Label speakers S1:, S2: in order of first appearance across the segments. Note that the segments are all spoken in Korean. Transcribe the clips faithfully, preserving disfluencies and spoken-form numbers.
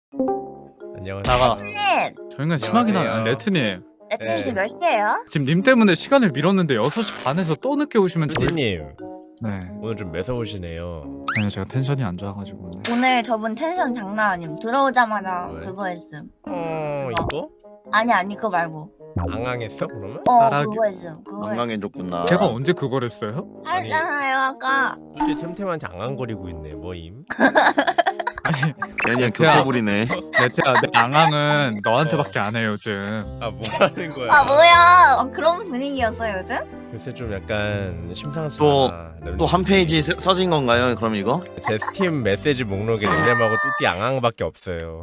S1: 안녕하세요.
S2: 나가.
S3: 레트님!
S2: 저희가 심하긴 하네.
S1: 안녕하세요.
S2: 레트님.
S3: 레트님
S1: 네.
S3: 지금 몇 시에요?
S2: 지금 님 때문에 시간을 미뤘는데 여섯 시 반에서 또 늦게 오시면 저희...
S1: 뚜디님
S2: 네.
S1: 오늘 좀 매서우시네요.
S2: 아니요, 제가 텐션이 안 좋아가지고.
S3: 오늘 저분 텐션 장난 아님. 들어오자마자
S1: 왜?
S3: 그거 했음.
S1: 어 이거?
S3: 아니 아니 그거 말고.
S1: 앙앙했어 그러면?
S3: 어
S2: 따라하기.
S3: 그거 했음. 그거 했음.
S4: 건강해졌구나.
S2: 제가 언제 그걸 했어요?
S3: 알잖아요 아까.
S1: 뚜디 템템한테 앙앙거리고 있네. 뭐임?
S2: 아니,
S4: 연이야
S2: 레트야.
S4: 교태부리네.
S2: 레트야, 내 앙앙은 너한테밖에 안 해요, 요즘.
S1: 아 뭐하는 거야?
S3: 아 뭐야? 아, 그런 분위기였어요 요즘?
S1: 요새 좀 약간 심상치
S4: 또-
S1: 않아.
S4: 또 한 페이지 써- 써진 건가요? 그럼 이거?
S1: 제 스팀 메시지 목록에 닉네임하고 뚜디 앙앙밖에 없어요.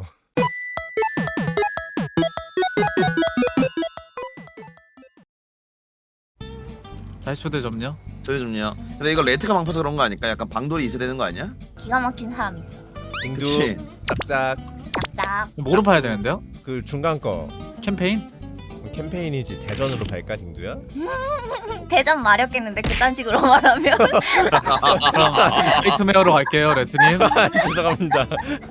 S2: 다시 초대점요?
S4: 저희 좀요. 근데 이거 레트가 방파서 그런 거 아닐까? 약간 방돌이 있어야 되는 거 아니야?
S3: 기가 막힌 사람 있어.
S1: 딩두
S4: 그치.
S1: 짝짝
S3: 짝짝.
S2: 뭐로 파야 되는데요?
S1: 그 중간 거
S2: 캠페인?
S1: 캠페인이지 대전으로 갈까 딩두야?
S3: 대전 마렵겠는데 그딴 식으로 말하면.
S2: 그럼 나이트메어로 갈게요, 레트님.
S1: 죄송합니다.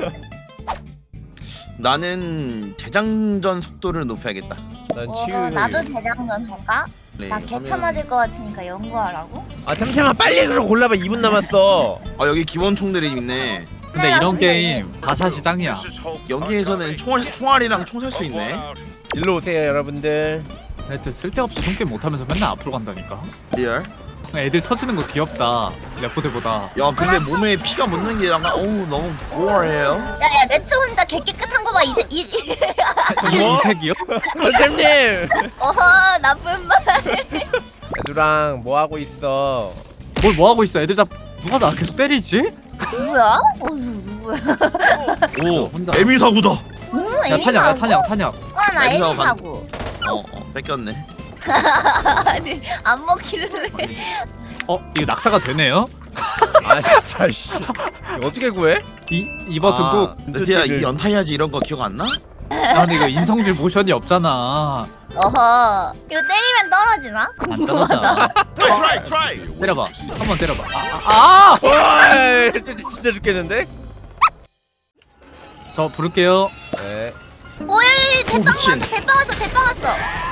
S4: 나는 재장전 속도를 높여야겠다.
S1: 난
S3: 어,
S1: 치유.
S3: 나도 재장전 할까?
S4: 네,
S3: 나 개차
S4: 하면-
S3: 맞을 것 같으니까 연구하라고?
S1: 아 템템아 빨리 그럼 골라봐. 이 분 남았어.
S4: 아 여기 기본 총들이 있네.
S2: 근데 이런 게임 다샷이 짱이야.
S4: 여기에서는 총알, 총알이랑 총 살 수 있네.
S1: 일로 오세요 여러분들.
S2: 레트 쓸데없이 손게 못하면서 맨날 앞으로 간다니까.
S4: 리얼.
S2: 애들 터지는 거 귀엽다. 레포대보다.
S4: 야 근데 몸에 피가 묻는 게 약간 어우 너무 보어해요.
S3: 야야 레트 혼자 개 깨끗한 거 봐. 이제 이
S2: 이게 이 색이요?
S1: 템템님.
S3: 어허 나쁜 말.
S1: 애들랑 뭐 하고 있어?
S2: 뭘 뭐 하고 있어? 애들 잡 누가 나 계속 때리지?
S3: 누구야? 어 누구야?
S4: 오
S2: 혼자.
S4: 에미 사구다.
S3: 응
S2: 야
S3: 에미
S2: 탄약, 야
S3: 사고?
S2: 탄약, 탄약.
S3: 어나 에미
S4: 에미 사고
S3: 사고.
S4: 어, 어 뺏겼네.
S3: 아니 안 먹히는데.
S2: 어 이거 낙사가 되네요?
S1: 아 진짜 씨. 이거 어떻게 구해?
S2: 이 이 버튼 꾹.
S4: 레트야 이 연타야지 이런 거 기억 안 나?
S2: 야 근데 이거 인성질 모션이 없잖아.
S3: 어허 이거 때리면 떨어지나?
S2: 안 떨어져.
S4: 트라이 트라이.
S2: 때려봐. 한번 때려봐. 아, 아!
S1: 와, 진짜 죽겠는데?
S2: 저 부를게요.
S1: 네.
S3: 오예 대빵
S4: 미친.
S3: 왔어 대빵 왔어 대빵 왔어.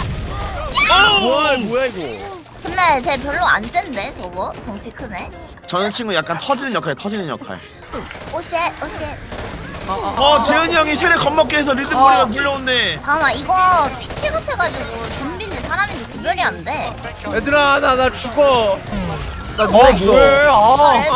S1: 와, 뭐야 이거?
S3: 근데 쟤 별로 안 센데 저거 덩치 크네.
S4: 저는 친구 약간 터지는 역할 터지는 역할.
S3: 오쉣 오쉣.
S4: 어 재현이 형이 세례 겁먹게 해서 리듬머리가 물려온네.
S3: 잠깐만 이거 피칠 같아가지고 좀비인지 사람인지 구별이 안 돼.
S1: 얘들아, 나 나 죽어. 나
S2: 어
S1: 누웠어.
S2: 뭐해? 아,
S3: 레트야.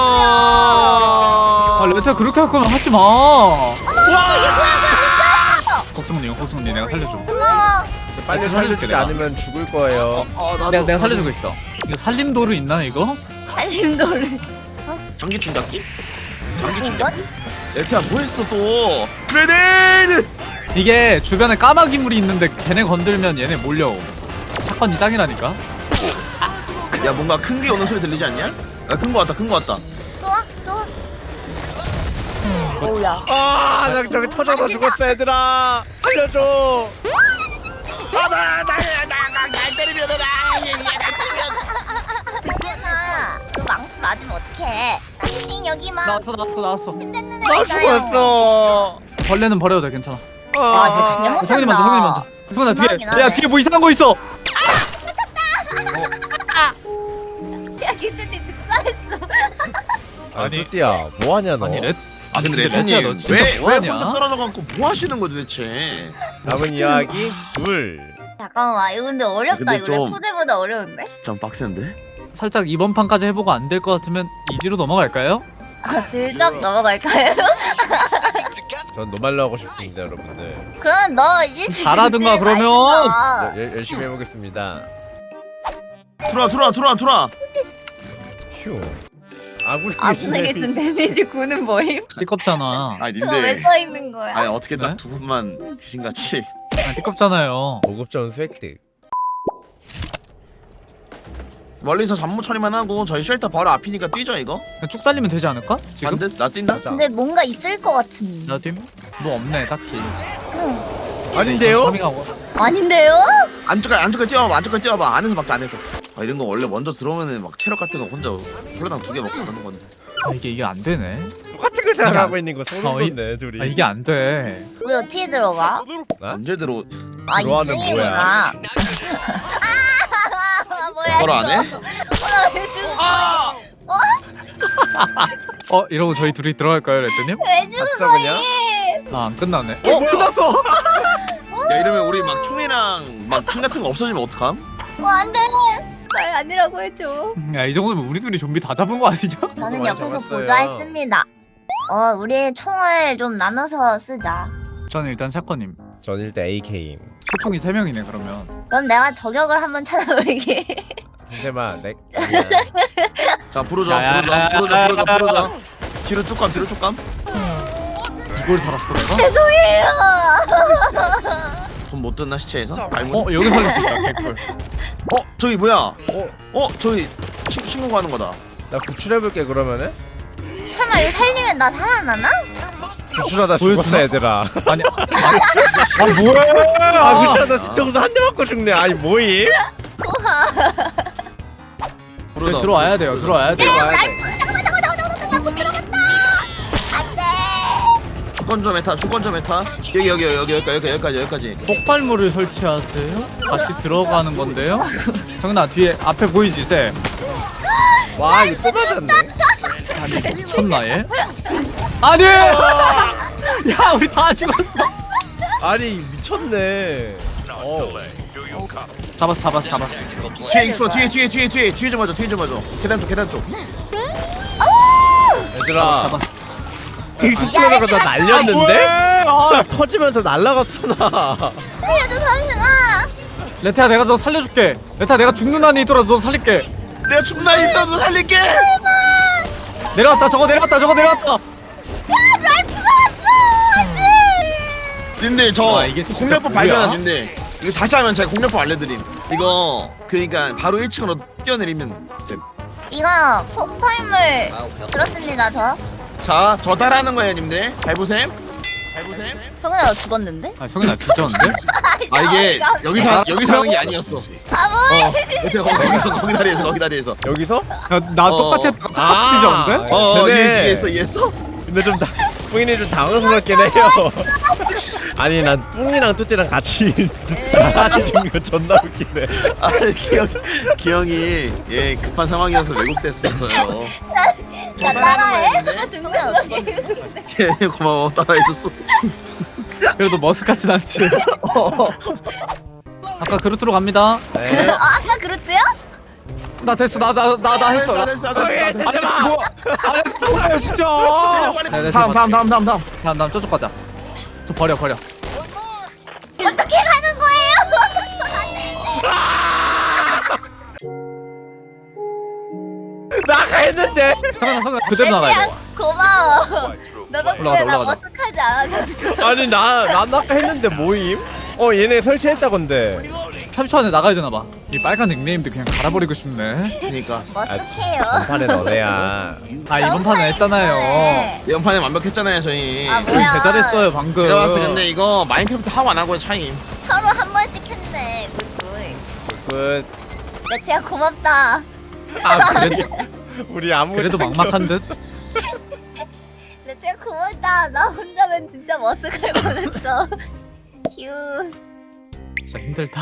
S2: 아 레트야 그렇게 할 거면 하지 마.
S3: 어머 어머 이게 뭐야 뭐야
S2: 걱정님, 걱정님 내가 살려줘.
S3: 고마워.
S1: 빨리
S2: 살려줄게,
S1: 살려주지
S2: 내가.
S1: 않으면 죽을 거예요.
S4: 어 나도.
S2: 내가 내가 살려주고 있어. 이거 살림도르 있나 이거?
S3: 살림돌을.
S4: 장기 충격기? 장기
S3: 이건?
S4: 충격기? 레트야 뭐했어 또? 그레네이드!
S2: 이게 주변에 까마귀 물이 있는데 걔네 건들면 얘네 몰려오. 사건 이 땅이라니까.
S4: 야 뭔가 큰 게 오는 소리 들리지 않냐? 야 큰 거 왔다 큰 거 왔다.
S3: 또 와? 또 와? 오우야.
S1: 아, 나 저기 터져서 죽었어, 얘들아. 살려줘.
S3: 괜찮아. 그 망치 맞으면 어떡해. 나띵 여기만.
S2: 나왔어, 나왔어, 나왔어.
S3: 힘 뺏는
S1: 나
S3: 애잖아요.
S1: 죽었어.
S2: 벌레는 버려도 돼, 괜찮아.
S3: 와, 진짜
S1: 아,
S3: 못한다.
S2: 성현이 먼저, 성현이 먼저. 성현아 뒤에.
S3: 심하긴 하네.
S2: 야 뒤에 뭐 이상한 거 있어.
S3: 야 기준이 즉사했어.
S1: 아니,
S2: 아니.
S1: 뚜띠야, 뭐 하냐 너?
S2: 아니 레.
S4: 아 근데
S2: 레트야,
S4: 레트님
S2: 너 진짜
S4: 왜왜
S2: 뭐하냐?
S4: 혼자 떨어져 갖고 뭐 하시는 거 도대체?
S1: 남은 이야기 둘.
S3: 잠깐만 이거 근데 어렵다.
S4: 근데
S3: 이거
S4: 좀-
S3: 레포대보다 어려운데?
S4: 좀 빡센데?
S2: 살짝 이번 판까지 해보고 안 될 것 같으면 이지로 넘어갈까요?
S3: 아 슬쩍 넘어갈까요?
S1: 전 노말로 하고 싶습니다, 여러분들.
S3: 그럼 너 일찍
S2: 잘하든가,
S3: 일찍
S2: 그러면.
S3: 말했어.
S1: 열, 열심히 해보겠습니다.
S4: 들어와 들어와 들어와 들어와.
S1: 휴. 아군에게
S3: 아군에게 준 데미지 구는 뭐임?
S2: 띠껍잖아.
S4: 아니
S3: 저거 왜
S4: 님들
S3: 써있는 거야?
S4: 아니 어떻게
S2: 네?
S4: 딱 두 분만 귀신같이.
S2: 아, 띠껍잖아요.
S1: 고급전 수획득.
S4: 멀리서 잠못 처리만 하고 저희 쉘터 바로 앞이니까 뛰죠 이거?
S2: 그냥 쭉 달리면 되지 않을까? 지금?
S4: 반듯? 나 뛴다?
S1: 맞아.
S3: 근데 뭔가 있을 것 같은.
S2: 나 팀? 뭐 없네 딱히.
S1: 아닌데요?
S2: 파밍하고.
S3: 아닌데요?
S4: 안쪽까지 안쪽까지 뛰어봐 안쪽까지 뛰어봐 안에서 막자 안에서. 아 이런 거 원래 먼저 들어오면은 막 체력 같은 거 혼자 콜라당 두 개 먹고 가는 건데.
S2: 아, 이게 이게 안 되네.
S1: 똑같은 거 생각하고 있는 거 소름
S2: 어, 이-
S1: 돋네 둘이.
S2: 아 이게 안 돼.
S3: 우리 어떻게 들어가?
S4: 언제 들어?
S3: 아
S1: 들어와는
S3: 이층이구나. 아 뭐야?
S4: 뭐라 안 해?
S3: 어나왜 죽어?
S2: 어 이러고 저희 둘이 들어갈까요, 레트님?
S3: 왜 죽은
S1: 가짜
S3: 거니?
S1: 그냥?
S2: 아 안 끝나네.
S1: 어 끝났어.
S4: 야 이러면 우리 막 총이랑 막 총 같은 거 없어지면 어떡함?
S3: 어 안돼. 말 아니라고 해줘.
S2: 야 이 정도면 우리 둘이 좀비 다 잡은 거 아니냐?
S3: 저는
S1: 많이
S3: 옆에서
S1: 잡았어요.
S3: 보좌했습니다. 어 우리 총을 좀 나눠서 쓰자.
S2: 저는 일단 샷건님.
S1: 전 일단 에이케임.
S2: 소총이 세 명이네 그러면.
S3: 그럼 내가 저격을 한번 찾아볼게.
S1: 진짜만 내.
S4: 자 부르자
S2: 야,
S4: 부르자
S2: 야, 야,
S4: 부르자
S2: 야,
S4: 부르자
S2: 야,
S4: 부르자. 뒤로 뚝감 뒤로 뚝감.
S2: 이걸 살았어 내가?
S3: 죄송해요.
S4: 돈 못 뜯나 시체에서? 발문.
S2: 어 여기 살릴 수 있다 개꿀.
S4: 어 저기 뭐야?
S1: 어,
S4: 어 저기 친, 친구가 하는 거다.
S1: 나 구출해볼게 그러면은.
S3: 설마 이거 살리면 나 살아나나?
S1: 구출하다
S2: 보여주나?
S1: 죽었어 얘들아.
S2: 아니 아니 아 뭐야?
S1: 아 구출하다 뒤통수 한 대 맞고 죽네. 아니 뭐임?
S3: 우와.
S4: 부르다.
S2: 들어와야 돼요. 들어와야 돼요.
S1: 들어와야 돼.
S3: 잠깐만 잠깐만 잠깐만 잠깐만 못 들어갔다. 안돼.
S4: 주권점 메타 주권점 메타. 여기 여기 여기 여기까지 여기까지 여기까지 여기까지.
S2: 폭발물을 설치하세요? 다시 들어가는 건데요? 정나 뒤에 앞에 보이지 쟤?
S1: 와 이거 또 맞았네.
S2: 아니 미쳤나 얘? 아니! 야 우리 다 죽었어.
S1: 아니 미쳤네. 어.
S2: 잡았어 잡았어 잡았어.
S4: 뒤에 익스플로 뒤에 뒤에 뒤에 뒤에 뒤에 좀 맞아 뒤에 좀 맞아. 계단 쪽 계단 쪽.
S1: 얘들아.
S2: 잡았어.
S1: 익스플로러가 나 날렸는데?
S2: 아,
S1: 터지면서 날라갔어 나.
S3: 살려줘 살려줘.
S2: 레타야 내가 너 살려줄게. 레타 내가 죽는 한이 있더라도 너 살릴게.
S4: 내가 죽나 있다도 살릴게.
S2: 내려왔다 저거 내려왔다 저거 내려왔다.
S3: 랄프가 왔어.
S4: 님들 저
S2: 와, 이게 진짜
S4: 공략법
S2: 뭐야?
S4: 발견한 님들 이거 다시 하면 제가 공략법 알려드림. 이거 그러니까 바로 일 층으로 뛰어내리면 됨.
S3: 이거 폭발물 들었습니다 저.
S4: 자, 저 따라하는 거예요, 님들. 잘 보셈. 잘 보셈.
S3: 성은아 너 죽었는데?
S2: 아 성현아 진짜인데?
S4: 아 이게 여기서 여기서 하는 게 아니었어.
S3: 바보.
S4: 어, 여기 거기 거기 다리에서 거기 다리에서.
S1: 여기서?
S2: 나
S4: 어.
S2: 똑같이
S1: 아.
S2: 똑같이 뒤졌는데?
S4: 어,
S1: 근데-
S4: 이해- 이해했어, 이해했어?
S1: 근데 좀 다, 뿡이는 좀 당황스럽긴 해요. 아니 난 뿡이랑 뚜띠랑 같이 나란히 죽는 거 존나 웃기네.
S4: 아, 기영 기영이 예 급한 상황이어서 왜곡됐었어요.
S3: 나 따라해? 정말 어떻게?
S4: 쟤 고마워 따라해줬어.
S2: 그래도 머스같진 않지. 아까 그루트로 갑니다.
S1: 네.
S3: 어, 아까 그렇지요?
S2: 나 됐어 나 나 나 나 했어.
S4: 나 됐어, 나 됐어, 나 됐어.
S2: 아니 뭐 아니 뭐야 진짜. 네, 네,
S4: 다음, 다음, 다음, 다음, 다음.
S2: 다음 다음 저쪽 가자. 저 버려 버려.
S3: 어떻게 가는 거예요?
S1: 나가 했는데.
S2: 성현아 성현아 그대로 나가야 돼.
S3: 고마워. 너 덕분에
S2: 올라가자,
S3: 나
S2: 올라가자.
S3: 머쓱하지 않아서.
S1: 아니 나난 아까 했는데 뭐임? 어 얘네 설치했다건데.
S2: 삼십 초 안에 나가야 되나 봐. 이 빨간 닉네임도 그냥 갈아버리고 싶네.
S4: 그러니까
S3: 머쓱해요.
S1: 전판에 너네야.
S2: 아 이번 판은 했잖아요.
S4: 연판에 완벽했잖아요, 저희.
S3: 아 뭐야?
S2: 배달했어요 방금.
S4: 제가 봤을 때 근데 이거 마인크래프트 하고 안 하고의 차이임.
S3: 서로 한 번씩 했네. 굿굿.
S1: 끝.
S3: 레트야 고맙다.
S1: 아 그래? 우리 아무.
S2: 그래도 막막한 듯.
S3: 레트야 고맙다. 나 혼자면 진짜 머쓱할 뻔했어. 휴.
S2: 진짜 힘들다.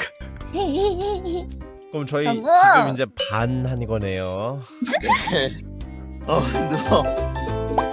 S1: 그럼 저희
S3: 정국!
S1: 지금 이제 반 한 거네요.
S4: 어, 힘들어.